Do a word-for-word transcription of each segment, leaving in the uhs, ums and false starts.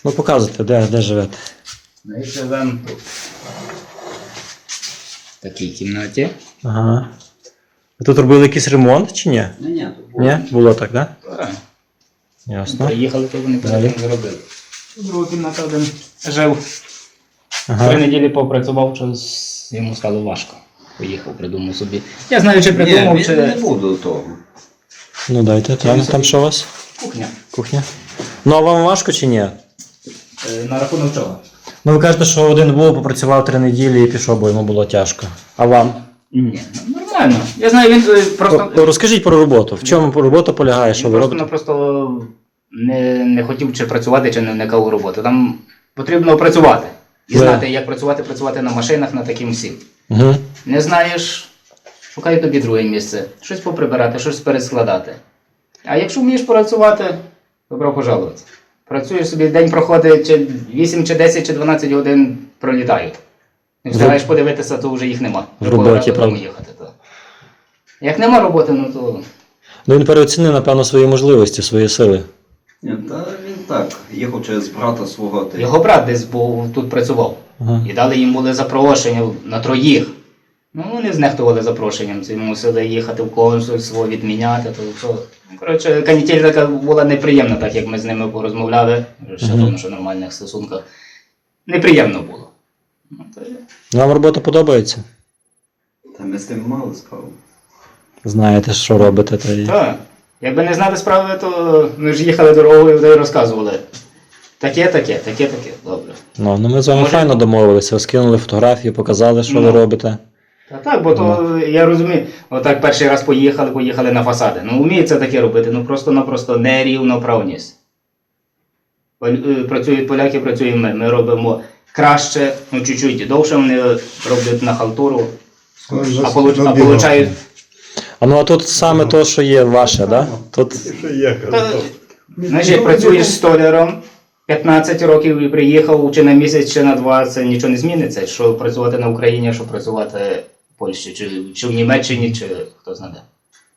Ну показуйте, де, де живете. Ми живемо тут. В такій кімнаті. Ага. Ви тут робили якийсь ремонт чи ні? Ну ні, тут було. Ні? Було так, так? Так. Ясно. Приїхали, то вони Далі. потім зробили. Друга кімната один жив. Ага. Три неділі попрацював, щось йому стало важко. Поїхав, придумав собі. Я знаю, чи придумав, Ні, чи він не був до того. Ну дайте, там, там що у вас? кухня. Кухня. Ну а вам важко чи ні? Е, На рахунок чого? Ну ви кажете, що один був, попрацював три неділі і пішов, бо йому було тяжко. А вам? Ні, ну, нормально. Я знаю, він е, просто... О, Розкажіть про роботу. В чому робота полягає, що Він ви просто робите? напросто не, не хотів чи працювати, чи не вникав у роботу. Там потрібно працювати. І Да. знати, як працювати, працювати на машинах, на таким всім. Угу. Не знаєш, шукай тобі друге місце. Щось поприбирати, щось перескладати. А якщо вмієш працювати, добро пожалувати. Працюєш собі, день проходить, чи вісім, чи десять, чи дванадцять годин пролітають. Не встигаєш подивитися, то вже їх нема. В роботі, Пора додому правда. їхати. То. Як нема роботи, ну то... Ну він переоцінив, напевно, свої можливості, свої сили. Ні, та він так, їхав через брата свого. Та... Його брат десь був, тут працював. Ага. І дали їм були запрошення на троїх. Ну, вони знехтували запрошенням. Це мусили їхати в консульство, відміняти. То, що. Ну, коротше, канітель така була неприємна, так як ми з ними порозмовляли. Ще Мгм. тому, що в нормальних стосунках. Неприємно було. Ну, то є. Вам робота подобається? Та ми з тим мали справу. Знаєте, що робите. Та й... Так. Якби не знали справи, то ми ж їхали дорогою і розказували. Таке, таке, таке, таке. Добре. Ну, ну ми з вами Може- файно домовилися, скинули фотографії, показали, що ви Ну. робите. Та так, бо то я розумію, отак перший раз поїхали, поїхали на фасади. Ну, вміють таке робити, ну просто-напросто нерівноправність. Поль- е, Працюють поляки, працюємо ми. Ми робимо краще, ну чуть-чуть довше вони роблять на халтуру, а, получ, а получають. А ну а тут саме то, що є ваше, так? Да? Тут Та, знаєш, як працюєш столяром п'ятнадцять років і приїхав чи на місяць, чи на два, це нічого не зміниться. Що працювати на Україні, що працювати в Польщі, чи, чи в Німеччині, чи хто знає. де.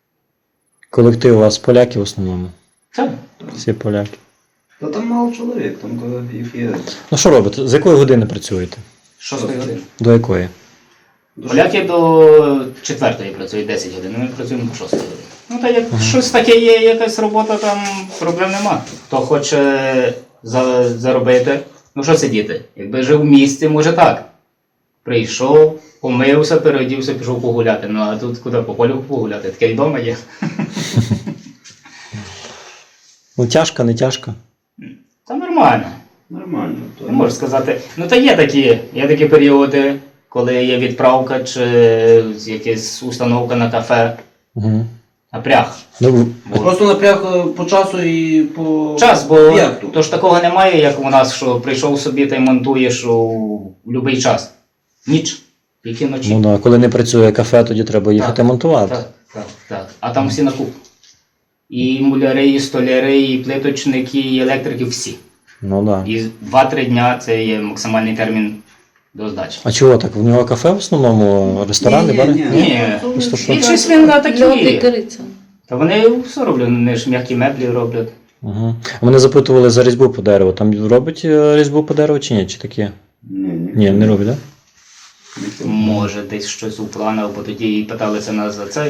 колектив у вас поляки в основному. Так. Всі поляки. Та там мало чоловік, там коли їх є. Ну що робите? З якої години працюєте? Шостої години. До якої? Дуже- Поляки до четвертої працюють десять годин, ми працюємо до шостої години. Ну та як щось таке є, якась робота, там проблем нема. Хто хоче за, заробити, ну що сидіти? Якби жив в місті, може так. Прийшов, помився, переодівся, пішов погуляти. Ну а тут куди по полю погуляти? Таке й вдома є. Ну тяжко, не тяжко. Та нормально. Нормально. То... Не можу сказати. Ну та є такі, є такі періоди, коли є відправка чи якась установка на кафе, Угу. напряг. Ну, Просто напряг е, по часу і по Час, бо об'єкту. то ж такого немає, як у нас, що прийшов собі та й монтуєш у будь-який час. Ніч, тільки вночі. ну да, коли не працює кафе, тоді треба їхати Так, монтувати. Так, так, так. А там всі на куп. І муляри, і столяри, і плиточники, і електрики, всі. Ну да. І два-три дня це є максимальний термін до здачі. А чого так? В нього кафе в основному, ресторани, Ні, бари? ні, Ні, Просто що? більшість він на такі. Льотникариця. Та вони все роблять, вони ж м'які меблі роблять. Угу. Мене запитували за різьбу по дереву. Там робить е, різьбу по дереву чи ні? Чи такі? Ні, ні. Ні, не робить, так? Може, десь щось у планах, бо тоді і питалися нас за цей.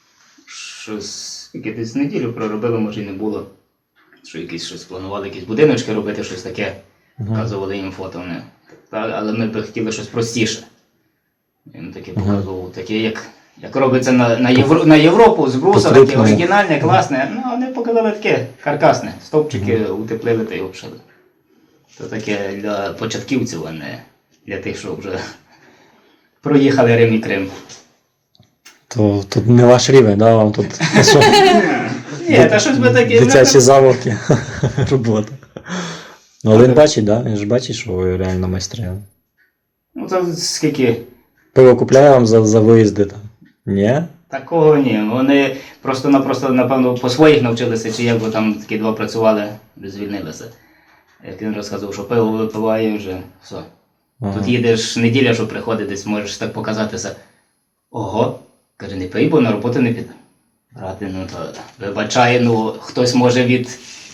Щось, яке десь неділю проробили, може і не було. Що якісь щось планували, якісь будиночки робити, щось таке. Показували їм фото вони. Та, але ми б хотіли щось простіше. Він таке показував, таке, як, як робиться на, на, Євро, на Європу з бруса, таке По-крупному. оригінальне, класне. Ну, вони показали таке каркасне. Стовпчики утеплили та й обшили. То таке для початківців, а не для тих, що вже проїхали Рим і Крим. То тут не ваш рівень, да? Вам тут що, Ні, та щось би таке. дитячі заволки робота. Ну, але він бачить, да? Він ж бачить, що ви реально майстри. Ну, це скільки? Пиво купляє вам за, за виїзди там? Ні? Такого ні. Вони просто-напросто, напевно, по своїх навчилися, чи як, бо там такі два працювали, звільнилися. Як він розказував, що пиво випиває вже, все. Ага. Тут їдеш неділя, що приходить, десь можеш так показатися. Ого, каже, не пий, бо на роботу не піде. Брати, ну то вибачай, ну хтось може від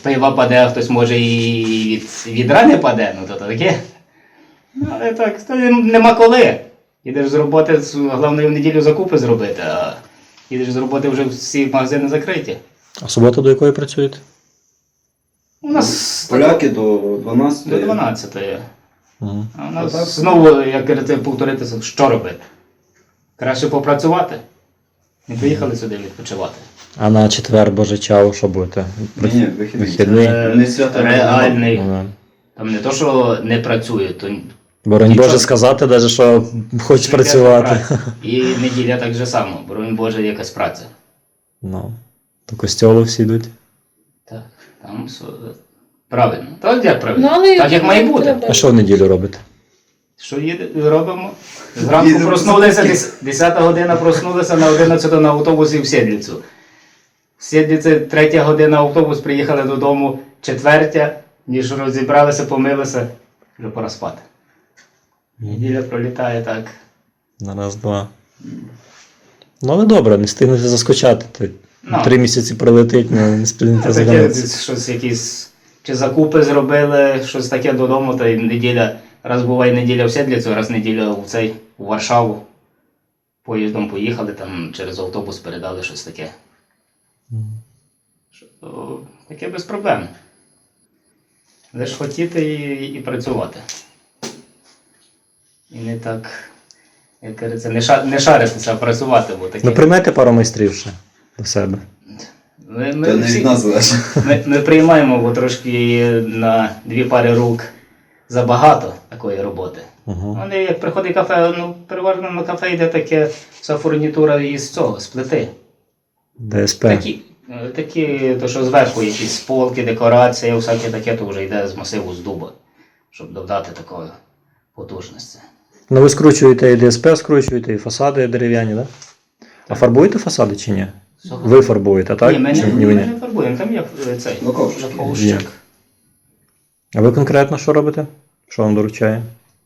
пива паде, а хтось може і від відра не паде, ну то таке. Ну, але так, то нема коли. Їдеш з роботи, головне в неділю закупи зробити, а їдеш з роботи вже всі магазини закриті. А субота до якої працюєте? У нас Поляки до дванадцятої. до дванадцятої. Угу. А у нас Отак. знову, як кажете, повторитися, що робити? Краще попрацювати. Не приїхали сюди відпочивати. А на четвер Божичав що будете? Ні, ні, вихідний. Вихідний? Е, Не свято, реальний. Ну, да. Там не то, що не працює, то Боронь Нічого. Боже сказати, навіть, що хочеш Йде працювати. праця. І неділя так же само, боронь Боже, якась праця. Ну, до костьолу всі йдуть. Так, там все правильно. Так як правильно? Ну, але так як має бути. треба. А що в неділю робите? Що їде, робимо? Зранку Їдемо проснулися, дес- десята година проснулися на одинадцяту на автобусі в Сєдліцю. В Сєдліці третя година автобус, приїхали додому четвертя, ніж розібралися, помилися, вже пора спати. Неділя пролітає так. На раз-два. Ну, але добре, не встигнете заскочати. То Ну. Три місяці прилетить, не, не встигнете Таке, заглянутися. щось якісь, чи закупи зробили, щось таке додому, та й неділя, раз буває неділя в Сєдліцю, раз неділя в цей, у Варшаву. Поїздом поїхали, там через автобус передали щось таке. Що, то таке без проблем. Лиш хотіти і, і працювати. І не так, як кажеться, не, ша, не шаритися, а працювати, бо таке. Ну, приймете пару майстрів ще до себе. Ми, ми Та не всі- від нас залежить. Ми, ми приймаємо, бо трошки на дві пари рук забагато такої роботи. Угу. Вони, як приходить кафе, ну, переважно на кафе йде таке вся фурнітура із цього, з плити. ДСП. Такі, е, такі, то що зверху якісь полки, декорація, всяке таке, то вже йде з масиву, з дуба, щоб додати такої потужності. Ну, ви скручуєте і ДСП, скручуєте, і фасади дерев'яні, так? Да? А фарбуєте фасади чи ні? Ви фарбуєте, так? Ні, ми Чи не, ні, ми ви ні? не фарбуємо, там є е, цей Лаковщик. лаковщик. А ви конкретно що робите? Що вам доручає?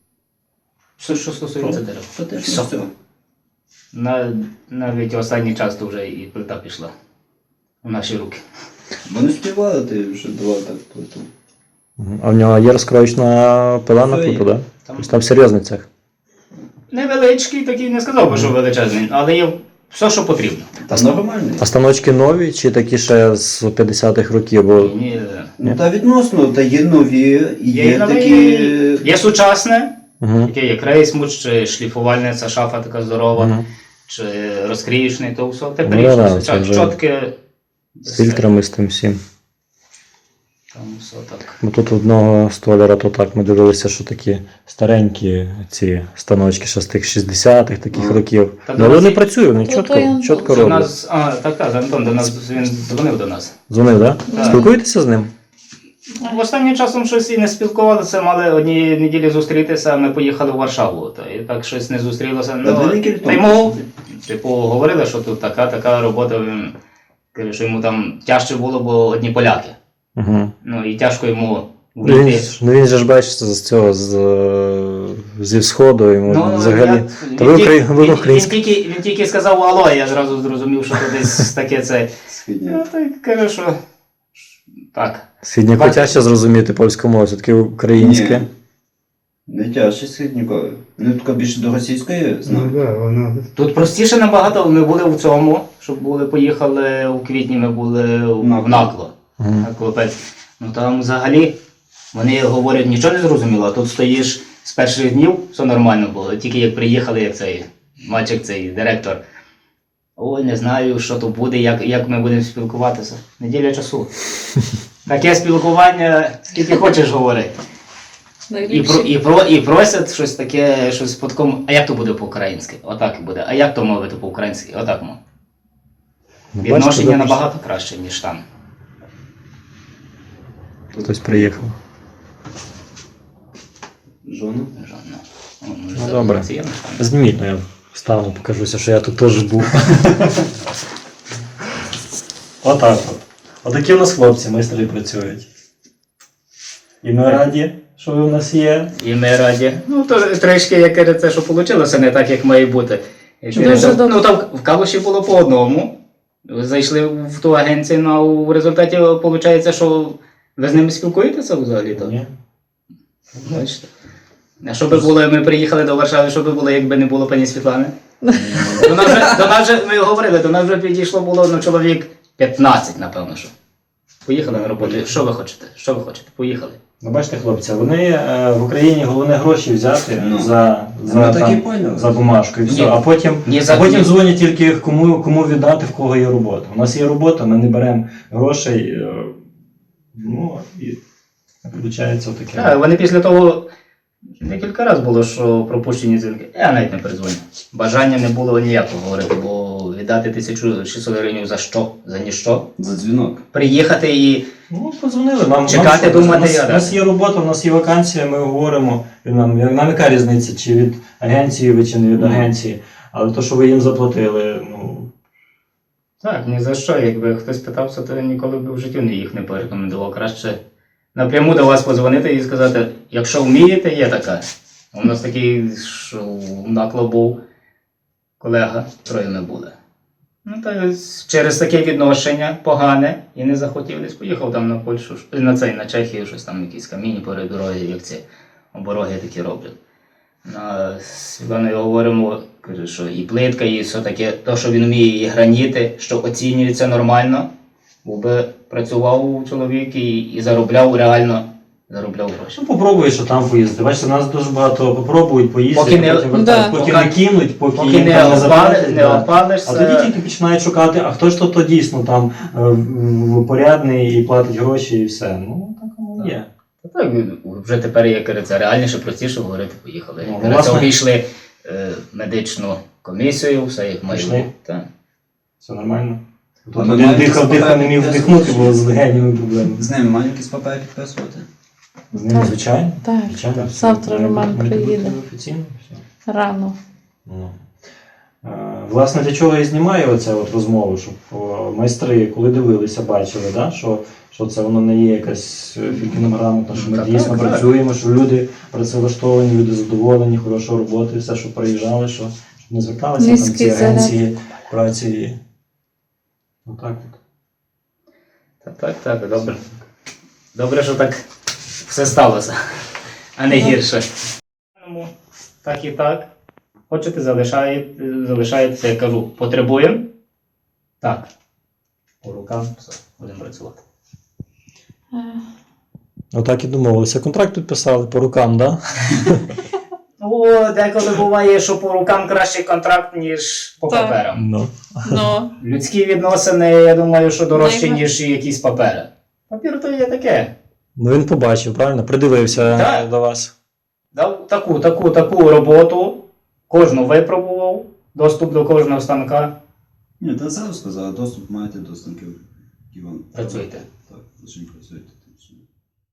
Що, що стосується дерев. Та теж Все. не все. На, навіть останній час то вже і плита пішла у наші руки. Бо не співали ти вже два так плиту. Мгм. А в нього є розкроєчна пила на Все плиту, є. так? Да? Там Тобто там серйозний цех. невеличкий, такий не сказав би, що величезний, але є все, що потрібно. Та нормальний. А станочки нові чи такі ще з п'ятдесятих років? Бо Ні, Ну та відносно, та є нові, і є, є новий- такі. є сучасне, угу. яке є крейсмут, чи шліфувальна ця шафа така здорова, Угу. чи розкриючний, то все Ну, тепліше, да, все це чот- вже чотке. З фільтрами, з тим всім. Там все так. Бо тут одного столяра, то так ми дивилися, що такі старенькі ці станочки ще з тих шістдесятих таких Ага. років. Та Ну, до але нас не є- працює, вони То чітко, той Антон. чітко До роблять. нас, а, так, так, Антон до нас, він дзвонив до нас. Дзвонив, так? Да? Так. Спілкуєтеся з ним? В останнім часом щось і не спілкувалися, мали однієї неділі зустрітися, а ми поїхали в Варшаву. Та і так щось не зустрілося. Та Ну, дві неділі та тому. йому, типу, говорили, що тут така, така робота. Він каже, що йому там тяжче було, бо одні поляки. Угу. Ну і тяжко йому Ну, він, вийти. ж- ну він же ж бачите з цього з, е, зі сходу йому Ну, взагалі. я- Та він ви, тільки- украї... ви він- українські. Він тільки, він тільки сказав алло, я зразу зрозумів, що то десь таке це. Східні. Ну, та й каже, що так. Східняку Бачите. тяжче зрозуміти польську мову, все-таки українське. Ні. Не тяжче східнікові. Ну, тако більше до російської знаю. Ну, да, вона... Тут простіше набагато, ми були в цьому, щоб були, поїхали у квітні, ми були в Накло. Накло. Мгм. На Клопець. Ну там взагалі вони говорять, нічого не зрозуміло, а тут стоїш з перших днів, все нормально було. Тільки як приїхали, як цей мальчик, цей директор. Ой, не знаю, що то буде, як, як ми будемо спілкуватися. Неділя часу. Таке спілкування, скільки хочеш говорити. І, про, і, про, і просять щось таке, щось по такому, а як то буде по-українськи? Отак буде. А як то мовити по-українськи? Отак мов. Ну, бачите, Відношення ви набагато краще, ніж там. Хтось приїхав. Жона. Жодно. О, може, Ну, це добре. офіційно там. Зніміть, ну я встану, покажуся, що я тут теж був. Отак от. Отакі у нас хлопці, майстри працюють. І ми раді, що ви в нас є. І ми раді. Ну, то трішки, як кажеться, що вийшло, не так, як має бути. Якщо Дуже не так- добре. ну, там в Калуші було по одному. Зайшли в ту агенцію, ну, а в результаті виходить, що Ви з ними спілкуєтеся взагалі? То? Ні. Бачите. А що би було, ми приїхали до Варшави, що би було, якби не було пані Світлани? До нас вже, до нас вже, ми говорили, до нас вже підійшло було ну, чоловік п'ятнадцять, напевно, що. Поїхали на роботу. Що ви хочете? Що ви хочете? Поїхали. Ну, бачите, хлопці, вони е, в Україні головне гроші взяти Ну. за, за, Ну, так і там, поняли. за бумажку і все. Ні. А потім, Ні, а за- потім ні. дзвонять тільки кому, кому віддати, в кого є робота. У нас є робота, ми не беремо грошей. Е, ну, і виходить отаке. Так, вони після того декілька разів було, що пропущені дзвінки. Я навіть не перезвоню. Бажання не було ніякого говорити, бо віддати тисячу шістсот гривень за що? За ніщо. За дзвінок. Приїхати і Ну, подзвонили. Нам, Чекати, нам, що, думати, у нас, я у нас є робота, у нас є вакансія, ми говоримо. І нам, нам яка різниця, чи від агенції ви, чи не від Ну. агенції. Але то, що ви їм заплатили, ну. так, ні за що. Якби хтось питався, то ніколи б в житті не їх не порекомендував. Краще напряму до вас подзвонити і сказати, якщо вмієте, є така. У нас такий, що в накло був колега, троє ми були. Ну, та через таке відношення погане і не захотів десь поїхав там на Польщу, ш- на цей, на Чехію, щось там якісь камінні перед дороги, як ці обороги такі роблять. Ну, а з Світланою говоримо, каже, що і плитка, і все таке, то, що він вміє, і граніти, що оцінюється нормально, був би працював чоловік і, і заробляв реально, заробляв гроші. Ну, попробуй, що там поїздити. Бачите, нас дуже багато попробують поїздити, Поки не- потім вертають, Да. поки Поки- не кинуть, поки, Поки їм не, там не опали, заплатять. не да. опалишся. А тоді тільки починають шукати, а хто ж то, то дійсно там е, в- порядний і платить гроші і все. Ну, так воно є. Та так, вже тепер, як кажеться, реальніше, простіше говорити, поїхали. Ну, Як кажеться, власне- обійшли е, медичну комісію, все як має Пішли. бути. Так. Все нормально. А Тут ми один маємо дихав, якісь дихав, не міг папери вдихнути, підписувати? бо з легенями проблеми. З ними мають якісь папери підписувати? З ними, Так. звичайно. Так, звичайно. все. завтра Має Роман бути- має приїде. бути Офіційно, все. Рано. Ну. Е, Власне, для чого я і знімаю оце от розмову, щоб о, майстри, коли дивилися, бачили, да, що, що це воно не є якась е, фількінограмотна, що ми Так, дійсно так, так. працюємо, що люди працевлаштовані, люди задоволені, хорошої роботи, все, що приїжджали, що щоб не зверталися там Низький ці заряд. агенції праці. Отак от. Так, так, так, добре. Добре, що так все сталося, а не гірше. Ну, так і так. Хочете, залишаєте, залишаєтеся, я кажу, потребуємо? Так. По рукам, все, будемо працювати. Е, Отак і домовилися. Контракт підписали по рукам, так? Ну, деколи буває, що по рукам кращий контракт, ніж по Так. паперам. Ну. Ну, Людські відносини, я думаю, що дорожчі, Найва- ніж якісь папери. Папір то є таке. Ну він побачив, правильно? Придивився Так. до вас. Дав таку, таку, таку роботу, кожну випробував, доступ до кожного станка. Ні, та зразу сказали, доступ маєте до станків. Іван. Працюйте. Так, за чим працюєте.